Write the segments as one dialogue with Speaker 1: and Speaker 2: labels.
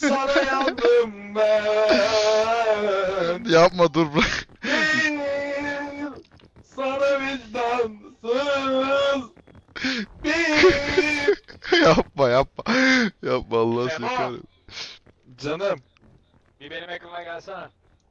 Speaker 1: Sana yandım ben.
Speaker 2: Yapma, dur bırak.
Speaker 1: Bir, sana vicdansız. Bir.
Speaker 2: Yapma yapma. Yapma, Allah seni
Speaker 3: Sema!
Speaker 2: kahretsin.
Speaker 1: Canım.
Speaker 3: Bir benim ekrana gelsene.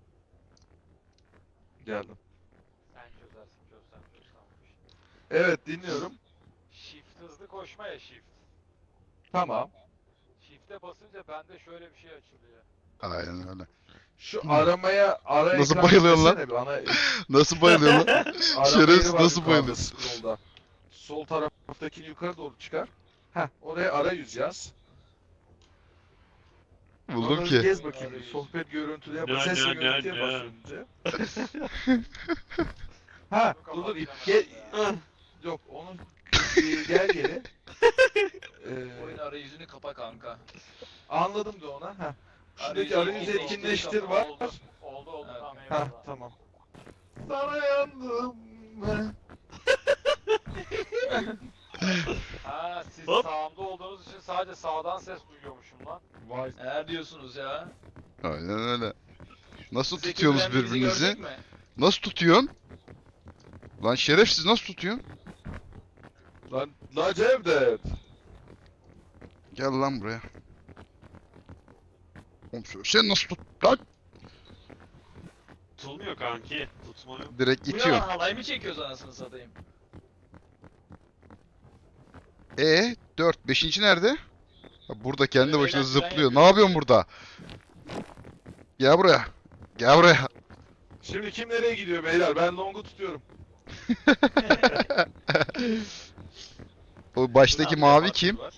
Speaker 1: Geldim.
Speaker 3: Sen çözersin, çözsem.
Speaker 1: Evet, dinliyorum.
Speaker 3: Shift hızlı koşma ya, shift.
Speaker 1: Tamam.
Speaker 3: Shift'e basınca bende şöyle bir şey açılıyor.
Speaker 2: Aynen öyle.
Speaker 1: Şu aramaya ara
Speaker 2: Nasıl
Speaker 1: ekran
Speaker 2: bayılıyorsun lan?
Speaker 1: desene bir, ana
Speaker 2: Nasıl bayılıyor lan?
Speaker 1: arama
Speaker 2: Şerefsiz,
Speaker 1: yeri var
Speaker 2: nasıl
Speaker 1: yukarıda,
Speaker 2: bayılıyor?
Speaker 1: scroll'da. Sol taraftakini yukarı doğru çıkar. Heh, oraya arayüz yaz.
Speaker 2: Buldum
Speaker 1: Onları
Speaker 2: ki.
Speaker 1: gez bakayım. Bir sohbet görüntülü yap. Ses ve görüntüye bas önce. Ha, dur gel. Yok, onun gel geri.
Speaker 4: Oyun arayüzünü kapa kanka.
Speaker 1: Anladım da ona. Ha. Şuradaki
Speaker 4: Arayüzü
Speaker 1: arayüzü
Speaker 4: etkinleştir
Speaker 1: etkinleştir var.
Speaker 3: Oldu,
Speaker 4: Evet.
Speaker 3: tamam,
Speaker 1: Ha,
Speaker 3: eyvallah.
Speaker 1: tamam. Sana yandım ben.
Speaker 3: Ha, siz
Speaker 5: Hop.
Speaker 3: sağımda olduğunuz için sadece sağdan ses duyuyormuşum lan.
Speaker 1: Vay.
Speaker 4: Eğer diyorsunuz ya.
Speaker 2: Aynen öyle. Nasıl
Speaker 4: Zeki
Speaker 2: tutuyorsunuz
Speaker 4: Müren bizi
Speaker 2: birbirinizi?
Speaker 4: gördük mü?
Speaker 2: Nasıl tutuyorsun? Lan şerefsiz, nasıl tutuyorsun?
Speaker 1: Lan Cevdet.
Speaker 2: Gel lan buraya. Oğlum sen nasıl tut lan?
Speaker 5: Tutulmuyor kanki. Tutma yok.
Speaker 2: Direkt
Speaker 4: Bu ne lan,
Speaker 2: itiyorsun.
Speaker 4: halay mı çekiyoruz anasını satayım?
Speaker 2: 4. 5. nerede? Ha, burada kendi
Speaker 4: Böyle
Speaker 2: başına
Speaker 4: eğlen-
Speaker 2: zıplıyor.
Speaker 4: ben
Speaker 2: Ne yapıyorsun burada? Gel buraya. Gel buraya.
Speaker 1: Şimdi kim nereye gidiyor beyler? Ben Long'u tutuyorum.
Speaker 2: O baştaki
Speaker 4: Ne yapıyor,
Speaker 2: mavi kim?
Speaker 4: var?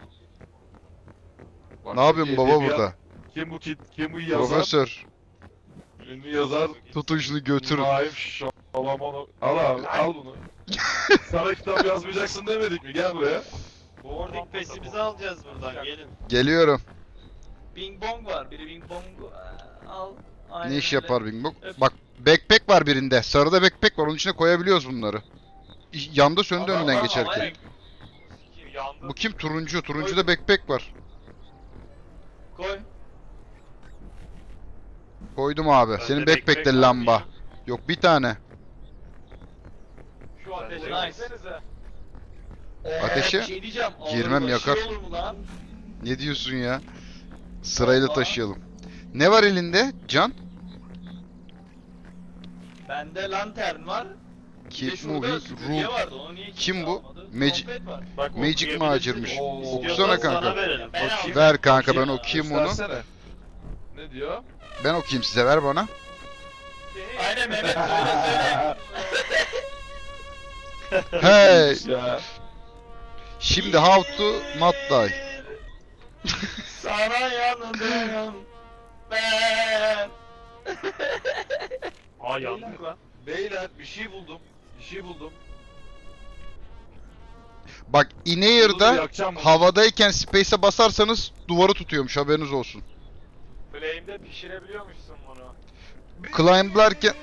Speaker 1: Bak,
Speaker 2: Ne yapıyorsun baba
Speaker 1: edebiyat-
Speaker 2: burada?
Speaker 1: Kim bu yazar?
Speaker 2: Profesör.
Speaker 1: Ünlü yazar.
Speaker 2: Tutun şunu götürün.
Speaker 1: Naif Şalamono. Al abi, al bunu. Sana kitap yazmayacaksın demedik mi? Gel buraya.
Speaker 5: Boarding pass'imizi alacağız buradan, gelin.
Speaker 2: Geliyorum.
Speaker 4: Bing bong var. Biri bing bong al. Aynen
Speaker 2: Ne iş
Speaker 4: öyle.
Speaker 2: yapar Bing Bong?
Speaker 4: Öp.
Speaker 2: Bak, backpack var birinde. Sarıda backpack var. Onun içine koyabiliyoruz bunları. Yanda söndü
Speaker 4: Ama-
Speaker 2: önünden
Speaker 4: ama-
Speaker 2: geçerken.
Speaker 4: ama-
Speaker 3: Kim yandı?
Speaker 2: Bu kim? Turuncu. Turuncuda backpack var.
Speaker 4: Koy.
Speaker 2: Koydum abi.
Speaker 5: Bende
Speaker 2: Senin
Speaker 5: backpack
Speaker 2: backpack'te
Speaker 5: var mı
Speaker 2: lamba.
Speaker 5: ya?
Speaker 2: Yok, bir tane.
Speaker 3: Şu ateşe
Speaker 4: Nice.
Speaker 3: gitsenize.
Speaker 2: Ateşe?
Speaker 4: Bir şey diyeceğim. ağır
Speaker 2: Girmem,
Speaker 4: başı
Speaker 2: yakar.
Speaker 4: olur mu lan?
Speaker 2: Ne diyorsun ya? Sırayla
Speaker 4: Vallahi.
Speaker 2: taşıyalım. Ne var elinde? Can?
Speaker 4: Bende lantern var. Bir de
Speaker 2: Keep
Speaker 4: şurada
Speaker 2: moving.
Speaker 4: süpürge
Speaker 2: Rule.
Speaker 4: vardı. Onu niye kimse
Speaker 2: Kim bu?
Speaker 4: almadı?
Speaker 2: Magic-
Speaker 4: Trompet var.
Speaker 5: Bak,
Speaker 2: Magic
Speaker 5: okuyabilirsin.
Speaker 2: macirmiş.
Speaker 1: Oo.
Speaker 2: Okusana
Speaker 5: İstiyorsan
Speaker 2: kanka.
Speaker 5: sana verelim.
Speaker 4: Ben
Speaker 1: Bakayım.
Speaker 4: aldım.
Speaker 2: Ver kanka, ben
Speaker 4: Bakayım.
Speaker 2: okuyayım onu.
Speaker 1: Göstersene. Ne diyor?
Speaker 2: Ben okuyayım size, ver bana.
Speaker 4: Aynen Mehmet, söyle.
Speaker 2: Hey!
Speaker 1: Ya.
Speaker 2: Şimdi how to not die.
Speaker 4: Sana yandım ben.
Speaker 5: Aa, yandık lan.
Speaker 1: Beyler, bir şey buldum. Bir şey buldum.
Speaker 2: Bak,
Speaker 1: Dur,
Speaker 2: in-air'da
Speaker 1: yakacağım bunu.
Speaker 2: havadayken space'e basarsanız duvarı tutuyormuş, haberiniz olsun.
Speaker 3: Flame'de pişirebiliyormuşsun bunu.
Speaker 2: Climb'larken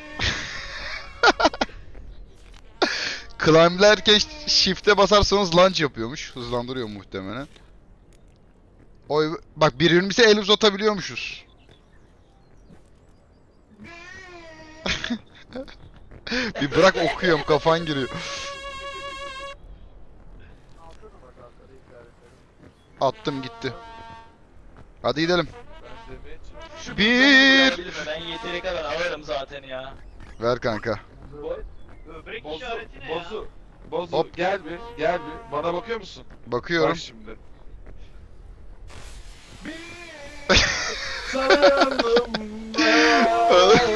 Speaker 2: Climb'lerken shift'e basarsanız launch yapıyormuş. Hızlandırıyor muhtemelen. Oy, bak, birbirimize el uzatabiliyormuşuz. Bir bırak, okuyorum, kafan giriyor. Attım gitti. Hadi gidelim.
Speaker 1: Ben demeye çalışıyorum.
Speaker 4: Şu
Speaker 2: Bir.
Speaker 4: bilgisayarı bırakabilir mi? Ben yeteri kadar alırım zaten ya.
Speaker 2: Ver kanka.
Speaker 5: Böbrek
Speaker 1: Bozu,
Speaker 5: işareti ne ya?
Speaker 1: Bozu,
Speaker 2: Hop.
Speaker 1: gel bir, gel bir. Bana bakıyor musun?
Speaker 2: Bakıyorum.
Speaker 1: Bak şimdi. Sana yandım ben.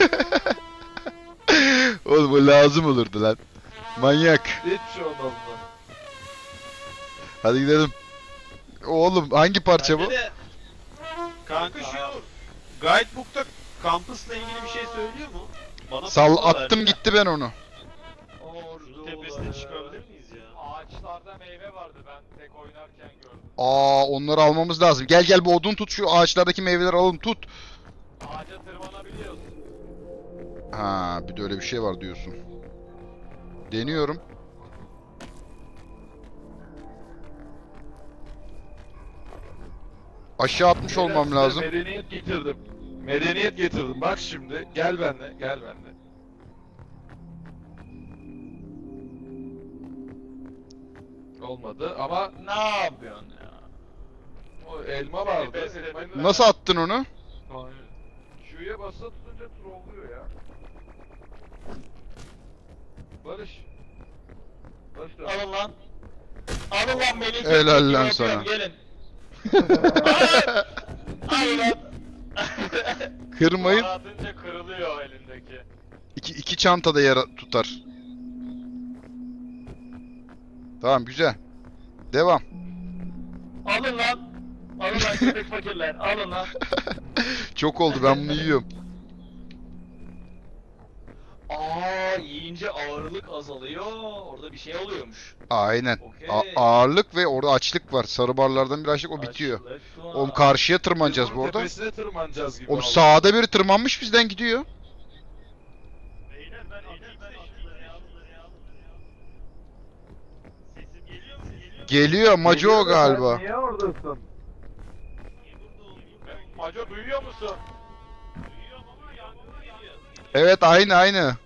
Speaker 2: Oğlum, bu lazım olurdu lan. Manyak.
Speaker 1: Hiçbir şey olmaz mı?
Speaker 2: Hadi gidelim. Oğlum, hangi parça bu?
Speaker 4: Bence de
Speaker 5: Kanka şu guidebook'ta kampüsle ilgili bir şey söylüyor mu? Bana
Speaker 2: Sal
Speaker 5: puzzle
Speaker 2: attım
Speaker 5: verdi.
Speaker 2: gitti ben onu.
Speaker 5: Şunun tepesine çıkabilir miyiz ya?
Speaker 3: Ağaçlarda meyve vardı, ben tek oynarken gördüm.
Speaker 2: Aa, onları almamız lazım. Gel gel, bu odun tut, şu ağaçlardaki meyveleri alalım, tut.
Speaker 3: Ağaca tırmanabiliyorsun.
Speaker 2: Ha, bir de öyle bir şey var diyorsun. Deniyorum. Aşağı atmış
Speaker 1: Beyler,
Speaker 2: olmam
Speaker 1: size
Speaker 2: lazım.
Speaker 1: Medeniyet getirdim. Medeniyet getirdim. Bak şimdi. Gel benimle. Gel benimle. Olmadı ama
Speaker 4: Ne yapıyorsun ya?
Speaker 1: o elma vardı.
Speaker 3: Pes edelim.
Speaker 1: Elmayı-
Speaker 2: Nasıl attın onu?
Speaker 1: Q'ya basılı tutunca trollüyor ya. Barış. Barış da.
Speaker 4: Alın lan. Alın lan beni.
Speaker 2: Helal lan
Speaker 4: Yapıyorum,
Speaker 2: sana.
Speaker 4: Gelin. Alın lan.
Speaker 2: Kırmayın.
Speaker 3: Duvara atınca kırılıyor elindeki.
Speaker 2: İki çantada yer tutar. Tamam güzel. Devam.
Speaker 4: Alın lan. Alın lan köpek fakirler. Alın lan.
Speaker 2: Çok oldu ben bunu yiyorum.
Speaker 4: Yiyince ağırlık azalıyor. Orada bir şey oluyormuş.
Speaker 2: Aynen.
Speaker 4: Okey.
Speaker 2: Ağırlık ve orada açlık var. Sarı barlardan bir açlık o bitiyor.
Speaker 4: Açlık var.
Speaker 2: Oğlum karşıya
Speaker 1: Biz
Speaker 2: tırmanacağız
Speaker 1: bunun
Speaker 2: bu arada.
Speaker 1: Tepesine tırmanacağız gibi.
Speaker 2: Oğlum
Speaker 1: oldu.
Speaker 2: sağda biri tırmanmış bizden gidiyor. Geliyor Maco o galiba.
Speaker 1: Niye oradasın?
Speaker 3: Maco duyuyor musun?
Speaker 2: Evet aynı.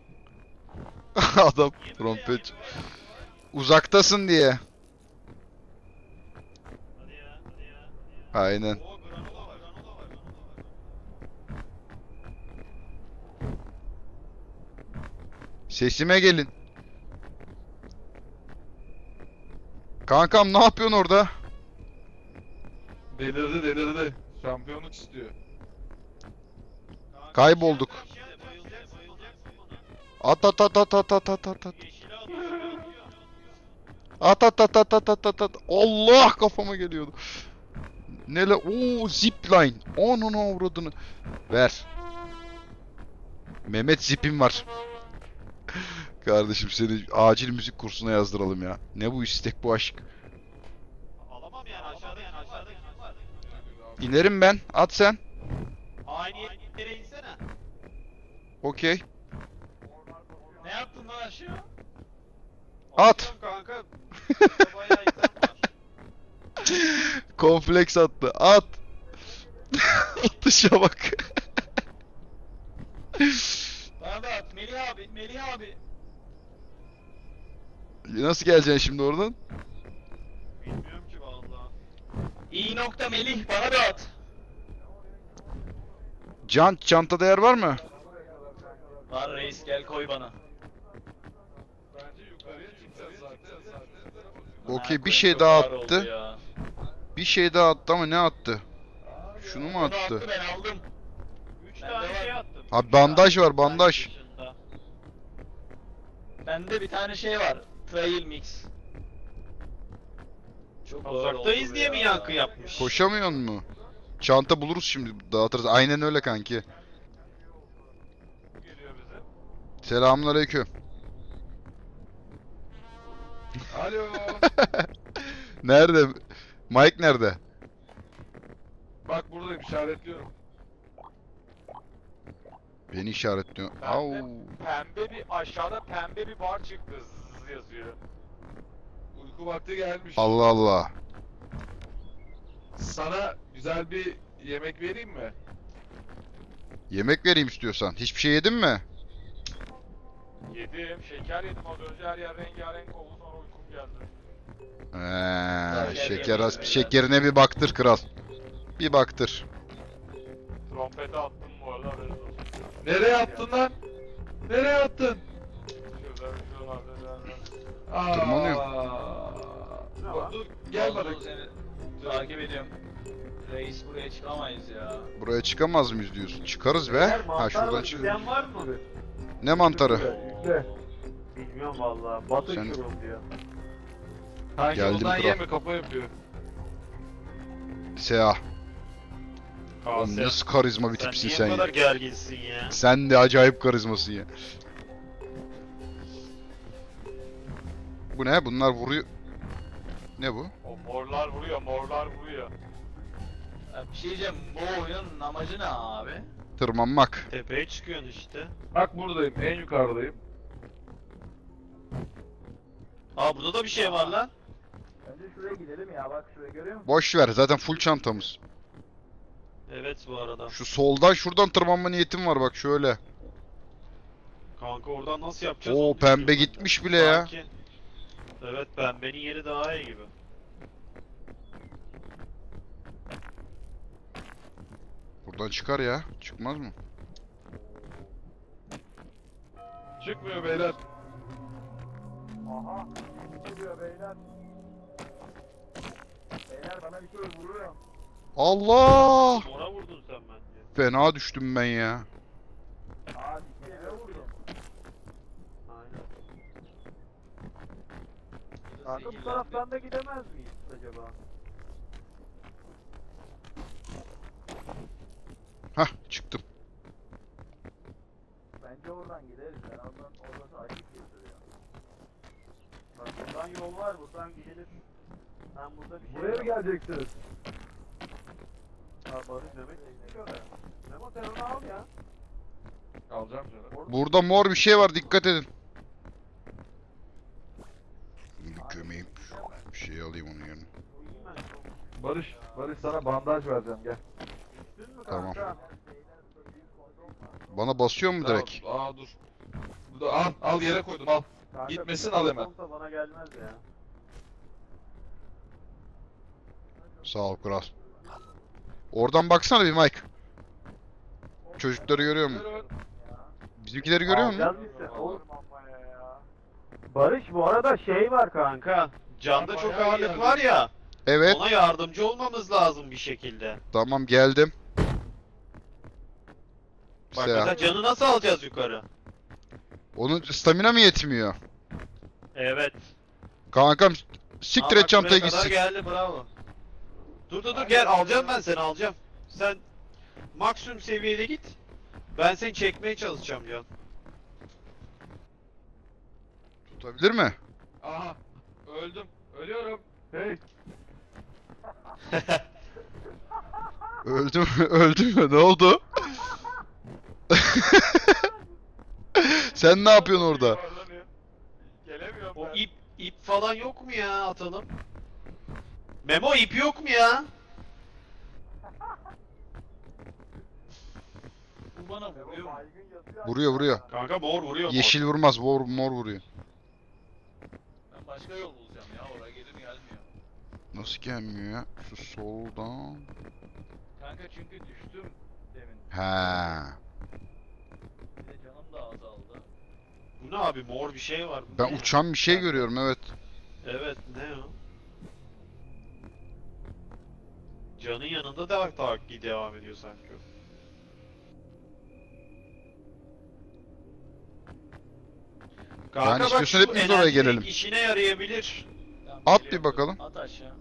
Speaker 2: Adam trompet. Uzaktasın diye. Aynen. Sesime gelin. Kankam ne yapıyorsun orada?
Speaker 1: Delirdi. Şampiyonluk istiyor.
Speaker 2: Kaybolduk. At. At. Allah kafama geliyordu. Nele? Oo zipline. Onun avradını. Ver. Mehmet zipim var. Kardeşim seni acil müzik kursuna yazdıralım ya. Ne bu istek bu aşk.
Speaker 5: Alamam yani aşağıda kim var?
Speaker 2: İnerim ben. At sen.
Speaker 5: Aynı yere insene.
Speaker 2: Okey.
Speaker 4: Ne yaptın lan aşağı?
Speaker 2: At.
Speaker 5: Atıyorum kanka. Burada bayağı insan var.
Speaker 2: Kompleks attı. At. Atışa bak.
Speaker 4: Bana da at. Melih abi.
Speaker 2: Nasıl geleceksin şimdi oradan?
Speaker 5: Bilmiyorum ki vallahi.
Speaker 4: İyi nokta Melih. Bana da at.
Speaker 2: Çantada yer var mı?
Speaker 4: Var reis gel koy bana.
Speaker 1: Bence yukarıya çıkacağız zaten.
Speaker 2: Okey bir
Speaker 4: Ha,
Speaker 2: şey
Speaker 4: çok
Speaker 2: daha
Speaker 4: ağır oldu
Speaker 2: attı.
Speaker 4: ya.
Speaker 2: Bir şey daha attı ama ne attı? Şunu mu
Speaker 4: Bunu
Speaker 2: attı?
Speaker 4: ben aldım.
Speaker 5: 3
Speaker 4: Bende
Speaker 5: tane
Speaker 4: var.
Speaker 5: şey attım.
Speaker 2: Abi bandaj var bandaj.
Speaker 5: Dışında.
Speaker 4: Bende bir tane şey var. Trail mix. Çok ağır
Speaker 5: Uzaktayız
Speaker 4: oldu
Speaker 5: diye
Speaker 4: ya.
Speaker 5: mi yankı yapmış?
Speaker 2: Koşamıyor mu? Çanta buluruz şimdi dağıtırız. Aynen öyle kanki.
Speaker 3: Geliyor bize.
Speaker 2: Selamünaleyküm.
Speaker 1: Alo.
Speaker 2: Nerede? Mike nerede?
Speaker 1: Bak buradayım işaretliyorum.
Speaker 2: Beni işaretliyor.
Speaker 3: Ben
Speaker 2: Au.
Speaker 3: de pembe bir aşağıda pembe bir bar çıktı. Zzz yazıyor.
Speaker 1: Uyku vakti gelmiş.
Speaker 2: Allah Allah.
Speaker 1: Sana güzel bir yemek vereyim mi?
Speaker 2: Yemek vereyim istiyorsan. Hiçbir şey yedin mi?
Speaker 3: Yedim, şeker yedim az önce her yer rengarenk oldu sonra uykum geldi.
Speaker 2: Şeker az. Şekerine bir baktır kral. Bir baktır.
Speaker 3: Trompete attım bu arada haberiniz olsun.
Speaker 1: Nereye attın lan? Nereye attın?
Speaker 3: Şuralarda
Speaker 2: Tırmanıyor.
Speaker 1: Dur, gel bana.
Speaker 4: Vallahi seni takip ediyorum. Reis buraya çıkamayız ya.
Speaker 2: Buraya çıkamaz mıyız diyorsun? Çıkarız be. Ha şuradan çık.
Speaker 6: İsteyen var mı?
Speaker 2: Ne mantarı?
Speaker 1: Yükle.
Speaker 6: Bilmiyorum valla. Batı
Speaker 2: Sen-
Speaker 6: diyor.
Speaker 1: Kanka
Speaker 2: Geldim
Speaker 1: ondan
Speaker 2: kral.
Speaker 1: yeme kafa yapıyor.
Speaker 2: Seha.
Speaker 5: Aa,
Speaker 2: Oğlum
Speaker 5: sen,
Speaker 2: nasıl karizma bir
Speaker 5: sen
Speaker 2: tipsin
Speaker 5: niye
Speaker 2: sen
Speaker 5: bu
Speaker 2: ya.
Speaker 5: kadar gerginsin ya?
Speaker 2: Sen de acayip karizmasın ya. Bu ne? Bunlar vuruyor. Ne bu?
Speaker 3: O morlar vuruyor, morlar vuruyor.
Speaker 4: Ya bir şey diyeceğim. Bu oyunun amacı ne abi?
Speaker 2: Tırmanmak.
Speaker 5: Tepeye çıkıyorsun işte.
Speaker 1: Bak buradayım, en yukarıdayım.
Speaker 5: Aa burada da bir şey var lan.
Speaker 6: Bence şuraya gidelim ya, bak şuraya görüyor musun?
Speaker 2: Boş ver zaten full çantamız.
Speaker 5: Evet bu arada.
Speaker 2: Şu soldan şuradan tırmanma niyetim var bak şöyle.
Speaker 5: Kanka oradan nasıl yapacağız?
Speaker 2: Oo
Speaker 5: onu
Speaker 2: pembe
Speaker 5: düşünüyorum ben de.
Speaker 2: gitmiş bile ya.
Speaker 5: Sanki- Evet pembenin yeri daha iyi gibi.
Speaker 2: Buradan çıkar ya. Çıkmaz mı?
Speaker 1: Çıkmıyor beyler.
Speaker 6: Aha. Geliyor beyler. Beyler bana bir şey vuruyor.
Speaker 2: Allah!
Speaker 5: Mora vurdun sen bence.
Speaker 2: Fena düştüm ben ya.
Speaker 6: Aa dikeye vuruyor.
Speaker 5: Aynen.
Speaker 6: Kanka bu taraftan da gidemez miyiz acaba?
Speaker 2: Hah çıktım.
Speaker 6: Bence oradan gideriz. Ben oradan orası açık yazıyor. Bak buradan yol var, buradan gidelim. Ben burada bir şey... Buraya mı geleceksiniz? Ha Barış Mehmet çıkıyor ya. Memo sen onu al ya.
Speaker 1: Alacağım canım.
Speaker 2: Burada mor bir şey var dikkat edin. Bir gömeyim. Bir şey alayım onun yerine.
Speaker 1: Barış sana bandaj vereceğim gel.
Speaker 6: Düştün mü
Speaker 2: Tamam.
Speaker 6: kanka?
Speaker 2: Bana basıyor mu direkt?
Speaker 1: Aa dur. Al yere koydum al.
Speaker 6: Kanka,
Speaker 1: Gitmesin,
Speaker 6: bir
Speaker 1: al hemen.
Speaker 6: olsa bana gelmez ya.
Speaker 2: Sağ ol kral. Oradan baksana bir Mike. Çocukları görüyor musun?
Speaker 1: Buyurun.
Speaker 2: Bizimkileri görüyor musun?
Speaker 6: Alacağız biz de. Oğlum amma ya. Barış bu arada şey var kanka.
Speaker 5: Kanka canda çok
Speaker 1: Bayağı
Speaker 5: ağırlık
Speaker 1: iyi
Speaker 5: var ya.
Speaker 2: Evet.
Speaker 5: Ona yardımcı olmamız lazım bir şekilde.
Speaker 2: Tamam geldim.
Speaker 5: Bak
Speaker 2: Selam.
Speaker 5: mesela canı nasıl alacağız yukarı?
Speaker 2: Onun stamina mı yetmiyor?
Speaker 5: Evet.
Speaker 2: Kankam
Speaker 5: Aa,
Speaker 2: siktir
Speaker 5: bak
Speaker 2: et çantaya
Speaker 5: buraya kadar
Speaker 2: gitsin.
Speaker 5: geldi bravo. Dur gel alacağım ben seni alacağım. Sen maksimum seviyede git. Ben seni çekmeye çalışacağım Can.
Speaker 2: Tutabilir mi?
Speaker 1: Aha. Öldüm. Ölüyorum. Hey.
Speaker 2: Öldüm öldüm mü? Ne oldu? Sen ne yapıyorsun orada?
Speaker 1: Yuvarlanıyor. Gelemiyorum
Speaker 5: O
Speaker 1: ben.
Speaker 5: ip falan yok mu ya atalım? Memo ip yok mu ya?
Speaker 4: Bu bana vuruyor mu?
Speaker 2: Vuruyor.
Speaker 5: Kanka mor vuruyor mor.
Speaker 2: Yeşil vurmaz, mor vuruyor.
Speaker 4: Ben başka yol bulacağım ya. Oraya gelir gelmiyor.
Speaker 2: Nasıl gelmiyor ya? Şu soldan.
Speaker 4: Kanka çünkü düştüm demin.
Speaker 2: He.
Speaker 4: Bir de canım da azaldı.
Speaker 5: Bu ne abi mor bir şey var. Bu
Speaker 2: Ben
Speaker 5: ne?
Speaker 2: uçan bir şey görüyorum evet.
Speaker 5: Evet ne o? Canın yanında da takip devam ediyor sanki o. Kanka
Speaker 2: Yani
Speaker 5: bak
Speaker 2: istiyorsan
Speaker 5: şu
Speaker 2: hepimiz oraya
Speaker 5: enerji
Speaker 2: gelelim.
Speaker 5: drink işine yarayabilir.
Speaker 4: Tamam,
Speaker 2: At bir
Speaker 4: geliyorum.
Speaker 2: bakalım.
Speaker 4: At aşağı.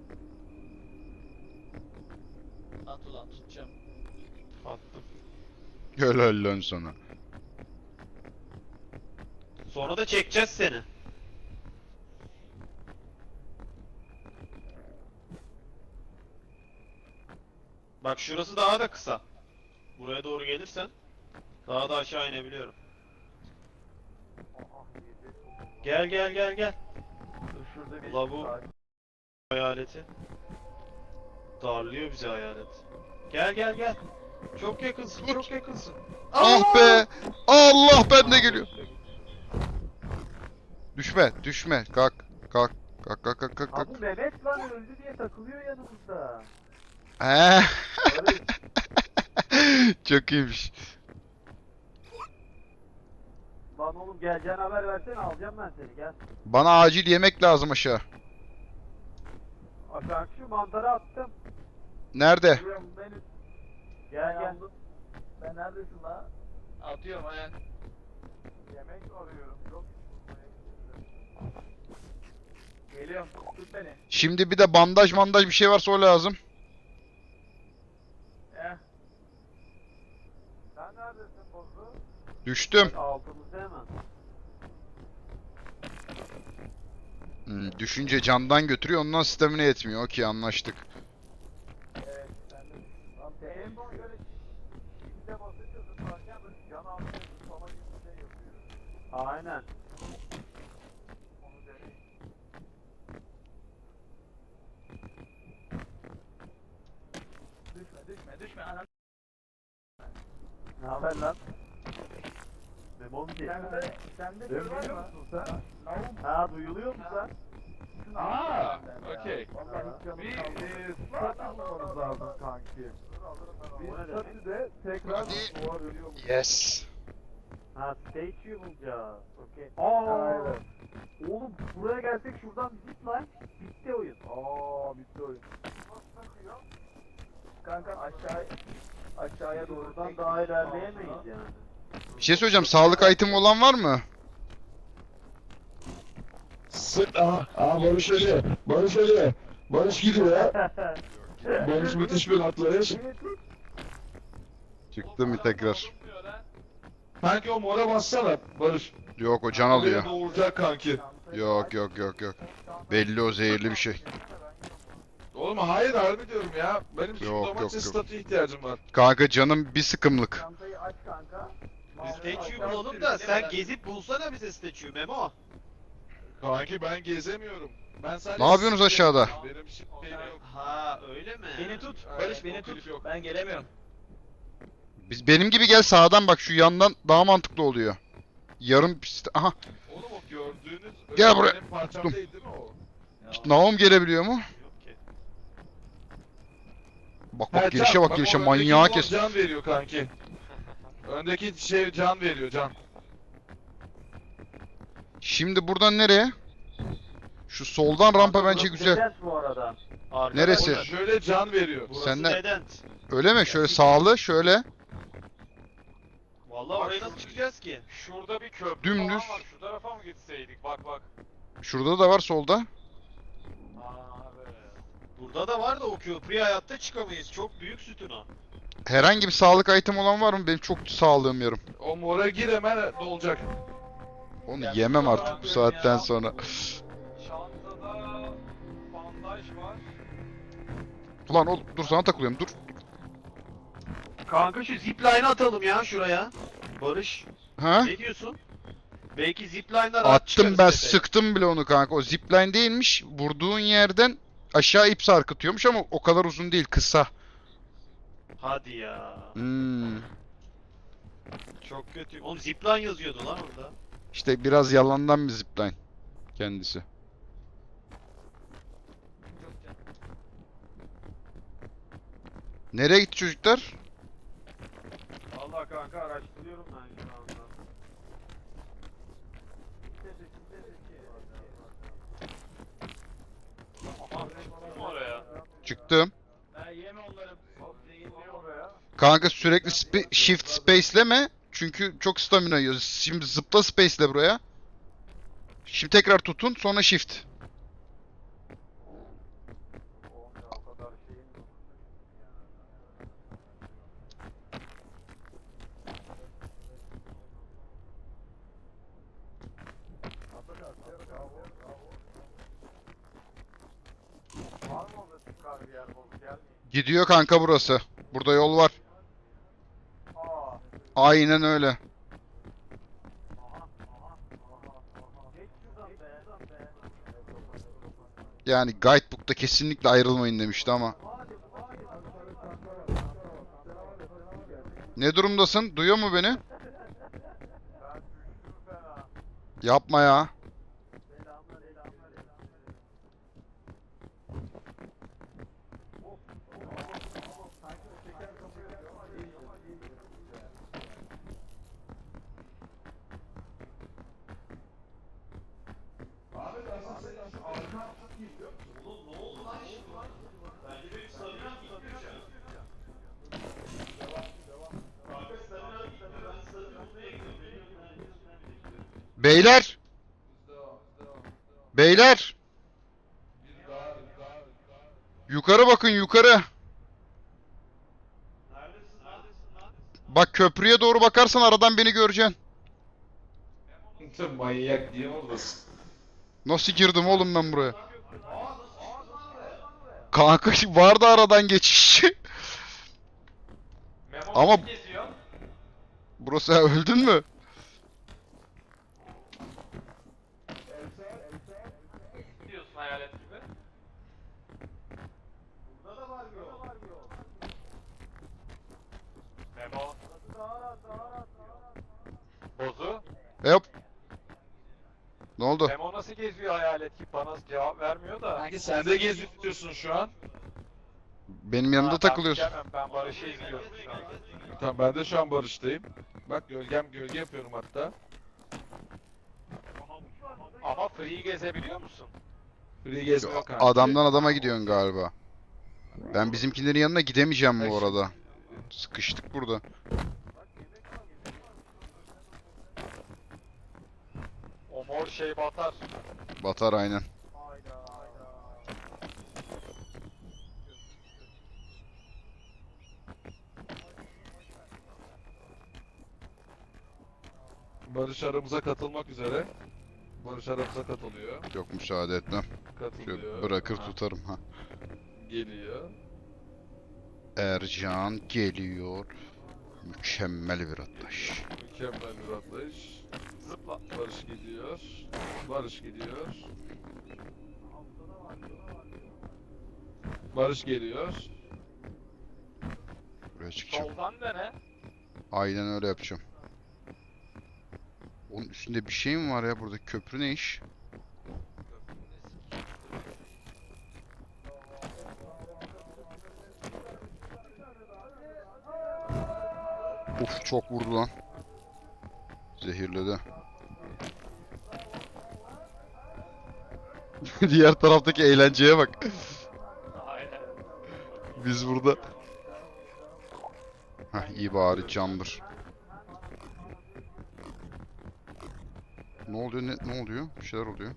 Speaker 4: At ulan tutacağım.
Speaker 5: Attım.
Speaker 2: Helal lan sana.
Speaker 5: Sonra da çekeceğiz seni. Bak şurası daha da kısa. Buraya doğru gelirsen daha da aşağı inebiliyorum. Gel.
Speaker 6: Dur şurada bir...
Speaker 5: Ulan bu hayaleti. Darlıyor bizi hayalet. Gel. Çok yakınsın, çok yakınsın.
Speaker 2: Ah be! Allah ben de geliyor. Düşme. Kalk. Kalk.
Speaker 6: Abi Mehmet lan öldü diye takılıyor yanımızda.
Speaker 2: He.
Speaker 6: Barış,
Speaker 2: Çok iyiymiş.
Speaker 6: lan oğlum geleceğine haber versene, alacağım ben seni, gel.
Speaker 2: Bana acil yemek lazım aşağı.
Speaker 6: Aşağı şu mantarı attım.
Speaker 2: Nerede?
Speaker 6: Geliyorum beni. Gel.
Speaker 4: Ben neredesin la? Atıyorum ayak.
Speaker 6: Yemek arıyorum. Yok. Geliyorum. Tut beni.
Speaker 2: Şimdi bir de bandaj bir şey varsa o lazım.
Speaker 6: Sen neredesin bozu?
Speaker 2: Düştüm.
Speaker 6: Altımızda hemen.
Speaker 2: Düşünce candan götürüyor ondan stamina yetmiyor. Okey anlaştık.
Speaker 6: Evet. Sen de. Lan en son şöyle çifte basınca zıplarken böyle can altına zıplama gibi bir şey yapıyor. Aynen. Onu deneyin. haber lan? Memo'nun sesi. Sende şey var mı? Ha duyuluyor mu sen?
Speaker 1: Aa, okey.
Speaker 6: Bir stat almamız lazım kanki. Bir statüde tekrar
Speaker 2: Hadi.
Speaker 6: duvar ölüyor mu?
Speaker 2: Yes.
Speaker 6: Ha statue bulacağız. Okey. Aa. Oğlum buraya gelsek şuradan bir zipline bitti oyun. Bitti oyun. Kanka aşağıya doğrudan daha ilerleyemeyiz yani.
Speaker 2: Bir şey söyleyeceğim. Sağlık item olan var mı?
Speaker 1: Sık. Barış ölüyor. Barış ölüyor. Barış gidiyor ya. Barış müthiş bir atlayış.
Speaker 2: Çıktı mı tekrar?
Speaker 3: Olmuyor lan.
Speaker 1: Kanki o mora bassana Barış.
Speaker 2: Yok o can
Speaker 1: Oraya
Speaker 2: alıyor.
Speaker 1: doğuracak kanki.
Speaker 2: Yok. Belli o zehirli bir şey.
Speaker 1: Oğlum hayır harbi diyorum ya. Benim şu
Speaker 2: Yok,
Speaker 1: domates
Speaker 2: yok.
Speaker 1: statü ihtiyacım var.
Speaker 2: Kanka canım bir sıkımlık.
Speaker 6: Çantayı aç kanka.
Speaker 5: Statue bulalım da sen gezip bulsana bize statue Memo.
Speaker 1: Kanki ben gezemiyorum. Ben sadece
Speaker 2: Ne yapıyorsunuz aşağıda?
Speaker 1: Benim şeyim yok.
Speaker 5: Ha öyle mi?
Speaker 4: Beni tut.
Speaker 1: Aynen,
Speaker 4: Barış beni
Speaker 1: o klip
Speaker 4: tut.
Speaker 1: yok.
Speaker 4: Ben gelemiyorum.
Speaker 2: Benim gibi gel sağdan bak şu yandan daha mantıklı oluyor. Yarım aha.
Speaker 1: Oğlum o gördüğünüz
Speaker 2: Gel buraya.
Speaker 1: benim parçam
Speaker 2: Tuttum.
Speaker 1: değil mi o?
Speaker 2: Naum gelebiliyor mu?
Speaker 5: Yok ki.
Speaker 2: Bak
Speaker 1: Ha,
Speaker 2: gelişe
Speaker 1: can.
Speaker 2: bak gelişe
Speaker 1: o
Speaker 2: manyağı
Speaker 1: öndeki
Speaker 2: kes.
Speaker 1: Can veriyor kanki. Öndeki şey can veriyor can.
Speaker 2: Şimdi buradan nereye? Şu soldan rampa bence güzel.
Speaker 6: Neden bu arada?
Speaker 5: Arkada
Speaker 2: Neresi?
Speaker 5: orada.
Speaker 1: Şöyle can veriyor.
Speaker 5: Burası
Speaker 2: Senden-
Speaker 5: neden?
Speaker 2: Öyle mi? Şöyle sağlı şöyle.
Speaker 5: Vallahi oraya nasıl çıkacağız ki?
Speaker 3: Şurada bir köprü
Speaker 2: Dümdüz.
Speaker 3: falan var. Şu tarafa mı gitseydik? Bak bak.
Speaker 2: Şurada da var solda.
Speaker 3: Abi.
Speaker 5: Burada da var da o köprüye hayatta çıkamayız. Çok büyük sütun o.
Speaker 2: Herhangi bir sağlık item olan var mı? Benim çok sağlığım yarım.
Speaker 1: O mora gir hemen dolacak.
Speaker 2: Onu yemem artık bu saatten sonra.
Speaker 3: Çantada bandaj var.
Speaker 2: Ulan oğlum dur sana takılıyorum dur.
Speaker 5: Kanka şu zipline'ı atalım ya şuraya. Barış.
Speaker 2: Ha?
Speaker 5: Ne diyorsun? Belki zipline'lar rahat
Speaker 2: Attım
Speaker 5: çıkarız
Speaker 2: ben
Speaker 5: tepeye.
Speaker 2: sıktım bile onu kanka. O zipline değilmiş. Vurduğun yerden aşağı ip sarkıtıyormuş ama o kadar uzun değil kısa.
Speaker 5: Hadi ya.
Speaker 2: Hmm.
Speaker 5: Çok kötü. Oğlum zipline yazıyordu lan orada.
Speaker 2: İşte biraz yalandan bir zipline kendisi. Nereye gitti çocuklar?
Speaker 6: Allah kanka araştırıyorum ben şu anda.
Speaker 3: Kim oraya?
Speaker 2: Çıktım.
Speaker 4: Ben yeme onları.
Speaker 6: Oraya.
Speaker 2: Kanka sürekli shift space'leme. Çünkü çok stamina yiyor. Şimdi zıpla space'le buraya. Şimdi tekrar tutun sonra shift.
Speaker 6: O kadar şeyin yok. Var mı orada çıkar bir yer bulup gelmeyin?
Speaker 2: Gidiyor kanka burası. Burada yol var.
Speaker 6: Aa.
Speaker 2: Aynen öyle.
Speaker 6: Geç şuradan be.
Speaker 2: Yani guidebook'ta kesinlikle ayrılmayın demişti ama. Ne durumdasın? Duyuyor mu beni?
Speaker 6: Ben düştüm fena.
Speaker 2: Yapma ya. Beyler! Beyler! Yukarı bakın yukarı.
Speaker 5: Neredesin lan?
Speaker 2: Bak köprüye doğru bakarsan aradan beni göreceksin.
Speaker 1: Sen manyak niye oradasın?
Speaker 2: Nasıl girdim oğlum ben buraya? Kanka vardı aradan geçiş.
Speaker 3: Memo
Speaker 2: Ama-
Speaker 3: kim geziyor?
Speaker 2: Burası öldün mü?
Speaker 3: Diyorsun hayalet gibi.
Speaker 5: Burada da var yol.
Speaker 3: Memo. Bozu.
Speaker 2: Hop. Ne oldu?
Speaker 3: Memo nasıl geziyor hayalet gibi bana cevap vermiyor da.
Speaker 4: Sanki sen de geziyorsun şu an.
Speaker 2: Benim yanımda
Speaker 3: Ben
Speaker 2: takılıyorsun.
Speaker 3: bilemem, ben Barış'ı izliyorum şu an.
Speaker 4: Tamam ben de şu an Barış'tayım. Bak gölge yapıyorum hatta.
Speaker 3: Ama free gezebiliyor musun?
Speaker 4: Free gezme yok kanki.
Speaker 2: Adamdan adama gidiyorsun galiba. Ben bizimkilerin yanına gidemeyeceğim bu
Speaker 4: Bak
Speaker 2: arada. Sıkıştık burada.
Speaker 3: O mor şey batar.
Speaker 2: Batar aynen.
Speaker 4: Barış aramıza katılmak üzere. Barış aramıza katılıyor.
Speaker 2: Yok müsaade etmem.
Speaker 4: Katılıyor.
Speaker 2: Şöyle bırakır
Speaker 4: Ha,
Speaker 2: tutarım ha.
Speaker 4: Geliyor.
Speaker 2: Ercan geliyor. Mükemmel bir atlayış.
Speaker 4: Mükemmel bir atlayış.
Speaker 3: Zıpla.
Speaker 4: Barış gidiyor. Barış gidiyor. Barış geliyor.
Speaker 2: Buraya çıkacağım.
Speaker 3: Soldan dene.
Speaker 2: Aynen öyle yapacağım. Onun üstünde bir şey mi var ya burada? Köprü ne iş? Uf çok vurdu lan. Zehirledi. Diğer taraftaki eğlenceye bak.
Speaker 3: Aynen.
Speaker 2: Biz burada. Hah iyi bari candır. Ne oluyor ne oluyor? Bir şeyler oluyor.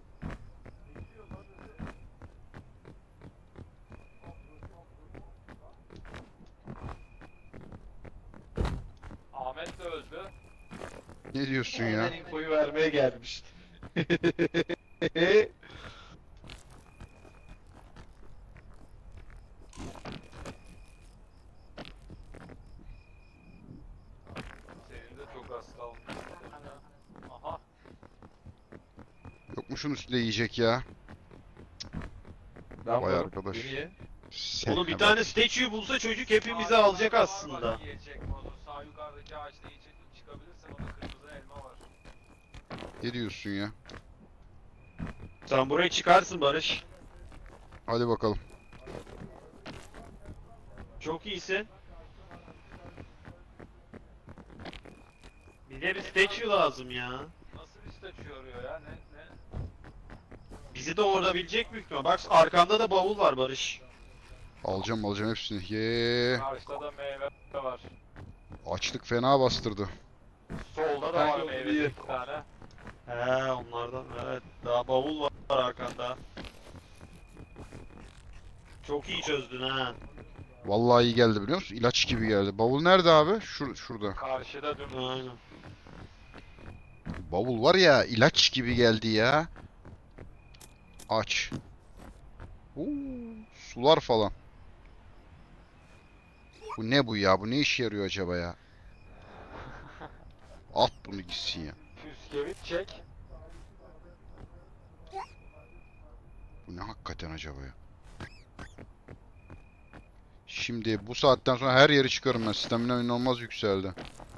Speaker 3: Ahmet de öldü.
Speaker 2: Ne diyorsun ya?
Speaker 4: Ben infoyu vermeye gelmiş.
Speaker 3: Senin de çok az kalmış. Aha.
Speaker 2: Yokmuşun üstünde yiyecek ya.
Speaker 4: Ben
Speaker 2: Vay
Speaker 4: varım.
Speaker 2: arkadaş.
Speaker 4: Beni ye.
Speaker 5: Oğlum bir tane statue bulsa çocuk hepimizi alacak aslında.
Speaker 3: Yiyecek modu. Sağ yukarıdaki ağaçta yiyecek çıkabilirsen orada kırmızı elma var.
Speaker 2: Ne diyorsun ya?
Speaker 5: Sen buraya çıkarsın Barış.
Speaker 2: Hadi bakalım.
Speaker 5: Çok iyisin. Bize bir statue lazım ya.
Speaker 3: Nasıl bir statü arıyor ya? Ne?
Speaker 5: Bizi de orabilecek büyük ihtimal. Bak arkanda da bavul var Barış.
Speaker 2: Alacağım hepsini. Ye.
Speaker 3: Karşıda da meyve var.
Speaker 2: Açlık fena bastırdı.
Speaker 3: Solda da
Speaker 4: Kanka
Speaker 3: var
Speaker 4: onu
Speaker 3: meyve
Speaker 4: bir-
Speaker 3: bir tane.
Speaker 5: He onlardan evet. Daha bavul var arkanda. Çok iyi çözdün ha.
Speaker 2: Vallahi iyi geldi biliyor musun? İlaç gibi geldi. Bavul nerede abi? Şurada.
Speaker 3: Karşıda dümdüz.
Speaker 5: Aynen.
Speaker 2: Bavul var ya ilaç gibi geldi ya. Aç. Oo, sular falan. Bu ne bu ya? Bu ne işe yarıyor acaba ya? At bunu gitsin ya.
Speaker 3: Püskevit çek.
Speaker 2: Bu ne hakikaten acaba ya? Şimdi bu saatten sonra her yeri çıkarım ben. Stamina inanılmaz yükseldi.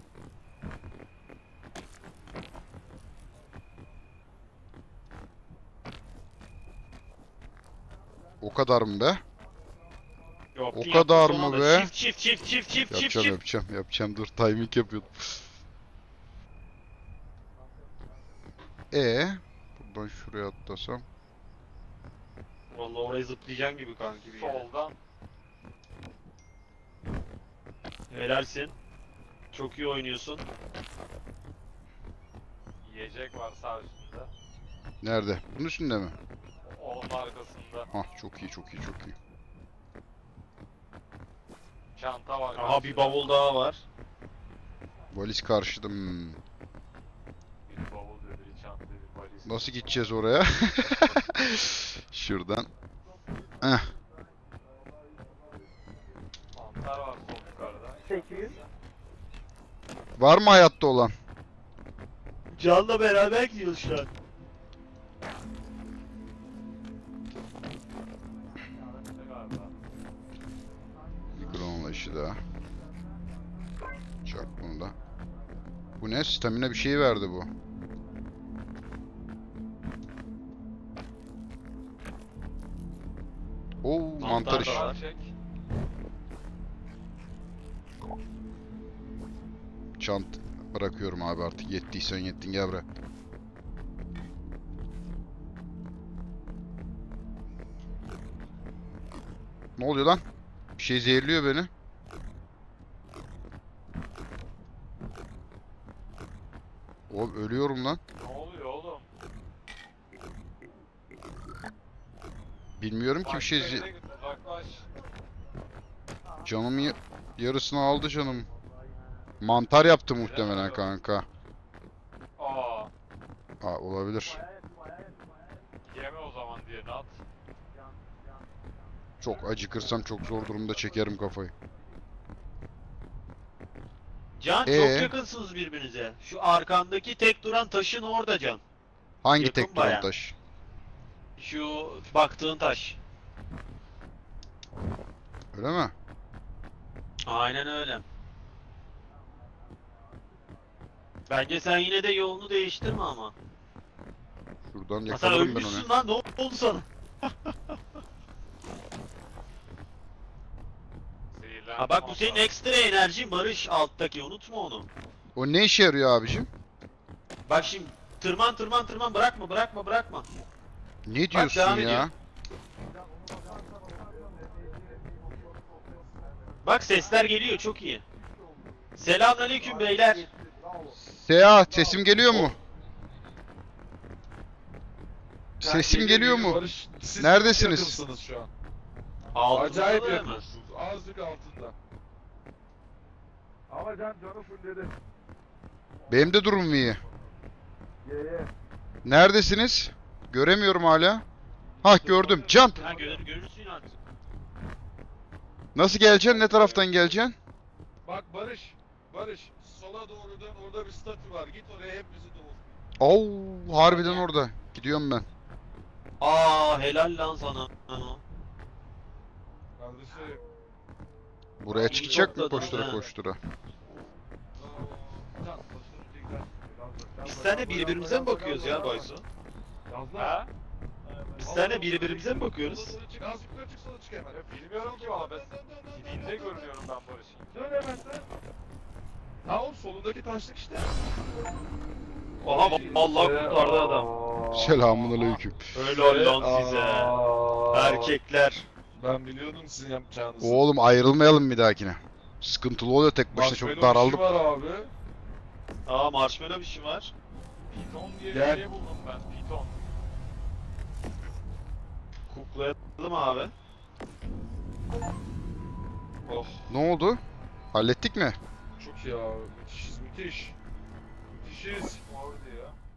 Speaker 2: O kadar mı be?
Speaker 5: Yok,
Speaker 2: O
Speaker 5: yaptın
Speaker 2: kadar
Speaker 5: son
Speaker 2: mı
Speaker 5: anda.
Speaker 2: be? Yapacağım. Dur timing yapıyordum. Buradan şuraya atlasam.
Speaker 5: Vallahi oraya zıplayacağım gibi kanki bir yere.
Speaker 3: Soldan.
Speaker 5: Helalsin. Çok iyi oynuyorsun.
Speaker 3: Yiyecek var sağ üstünde.
Speaker 2: Nerede? Bunun üstünde mi?
Speaker 3: Onun arkasında.
Speaker 2: Hah çok iyi.
Speaker 3: Çanta var.
Speaker 5: Aha bir bavul daha var.
Speaker 2: Valiz karşıda. Hmm.
Speaker 3: Bir bavul dedi, bir çanta, bir valiz.
Speaker 2: Nasıl gideceğiz oraya? Şuradan. Heh.
Speaker 3: Mantar var sol yukarıda.
Speaker 6: 800.
Speaker 2: Var mı hayatta olan?
Speaker 5: Can'la beraber gidiyoruz şu an.
Speaker 3: Yanında galiba.
Speaker 2: Bir kronla işi daha. Çak bunu da. Bu ne? Stamina bir şey verdi bu. Oo, mantar iş.
Speaker 5: da var.
Speaker 3: Çek.
Speaker 2: Çant bırakıyorum abi artık. Yettiysen yettin, gel buraya. Ne oluyor lan? Bir şey zehirliyor beni. Oğlum ölüyorum lan.
Speaker 3: Ne oluyor oğlum?
Speaker 2: Bilmiyorum ki bir şey
Speaker 3: Başka yere git, uzaklaş.
Speaker 2: canımı yarısını aldı canım. Mantar yaptı muhtemelen kanka.
Speaker 3: Aa,
Speaker 2: Aa, olabilir.
Speaker 3: yeme o zaman diye at.
Speaker 2: Çok acıkırsam çok zor durumda çekerim kafayı.
Speaker 5: Can
Speaker 2: Ee?
Speaker 5: çok yakınsınız birbirinize. Şu arkandaki tek duran taşın orada Can.
Speaker 2: Hangi
Speaker 5: Yakın
Speaker 2: tek duran
Speaker 5: bayağı.
Speaker 2: taş?
Speaker 5: Şu baktığın taş.
Speaker 2: Öyle mi?
Speaker 5: Aynen öyle. Bence sen yine de yolunu değiştirme ama.
Speaker 2: Şuradan
Speaker 5: Ha, sen
Speaker 2: yakalarım ben
Speaker 5: ölmüşsün
Speaker 2: onu.
Speaker 5: lan, ne oldu sana?
Speaker 3: Zehirlendim
Speaker 5: Ha bak, bu senin
Speaker 3: ondan.
Speaker 5: ekstra enerjin Barış, alttaki, unutma onu.
Speaker 2: O ne işe yarıyor abicim?
Speaker 5: Bak şimdi tırman tırman tırman, bırakma.
Speaker 2: Ne diyorsun
Speaker 5: devam
Speaker 2: ya?
Speaker 5: ediyor. Bak sesler geliyor, çok iyi. Selamünaleyküm beyler.
Speaker 2: Seyahat sesim geliyor mu? Sesim
Speaker 1: Geliyor,
Speaker 2: geliyor
Speaker 1: geliyor
Speaker 2: mu?
Speaker 1: Barış. Siz
Speaker 2: Neredesiniz?
Speaker 1: çok yakınsınız şu an.
Speaker 5: Altında
Speaker 1: Acayip
Speaker 5: da hemen.
Speaker 1: yakınsınız. Azıcık altında. Ama canı fulledi.
Speaker 2: Benim de durumum iyi.
Speaker 1: Ye.
Speaker 2: Neredesiniz? Göremiyorum hala. Hah, gördüm. Can,
Speaker 5: Ha, görürsün artık.
Speaker 2: nasıl geleceksin? Ne taraftan geleceksin?
Speaker 1: Bak Barış. Barış. Sola doğru dön. Orada bir statü var. Git oraya, hep bizi doğur.
Speaker 2: Oo, harbiden orada. Gidiyorum ben.
Speaker 5: Aa, helal lan sana.
Speaker 1: Kardeşim.
Speaker 2: Buraya
Speaker 5: İyi
Speaker 2: çıkacak mı
Speaker 5: topladın
Speaker 2: koştura
Speaker 5: ha.
Speaker 2: koştura?
Speaker 5: Biz seninle birbirimize mi bakıyoruz ya Baysu?
Speaker 3: Ha?
Speaker 5: Biz seninle birbirimize mi bakıyoruz?
Speaker 1: Çık, az yukarı çık, sola çık hemen.
Speaker 3: Bilmiyorum ki valla, ben dibinde görünüyorum ben Barış'ın.
Speaker 1: Dön hemen dön. Ha oğlum, solundaki taşlık işte.
Speaker 5: Aha Allah kurtardı adam.
Speaker 2: Selamünaleyküm.
Speaker 5: Helal lan size. Erkekler.
Speaker 1: Ben biliyordum sizin yapacağınızı.
Speaker 2: Oğlum ayrılmayalım bir dahakine. Sıkıntılı oluyor tek başına, çok
Speaker 1: Marshmallow işi
Speaker 2: daraldım.
Speaker 1: var abi.
Speaker 5: Aa, marshmallow bir şey var.
Speaker 3: Piton diye
Speaker 1: Gel.
Speaker 3: bir şey buldum ben, piton.
Speaker 5: Kuklayalım abi.
Speaker 1: Oh,
Speaker 2: Ne oldu? Hallettik mi?
Speaker 1: çok iyi abi. Müthişiz, müthiş. Müthişiz.
Speaker 3: Mor diyor.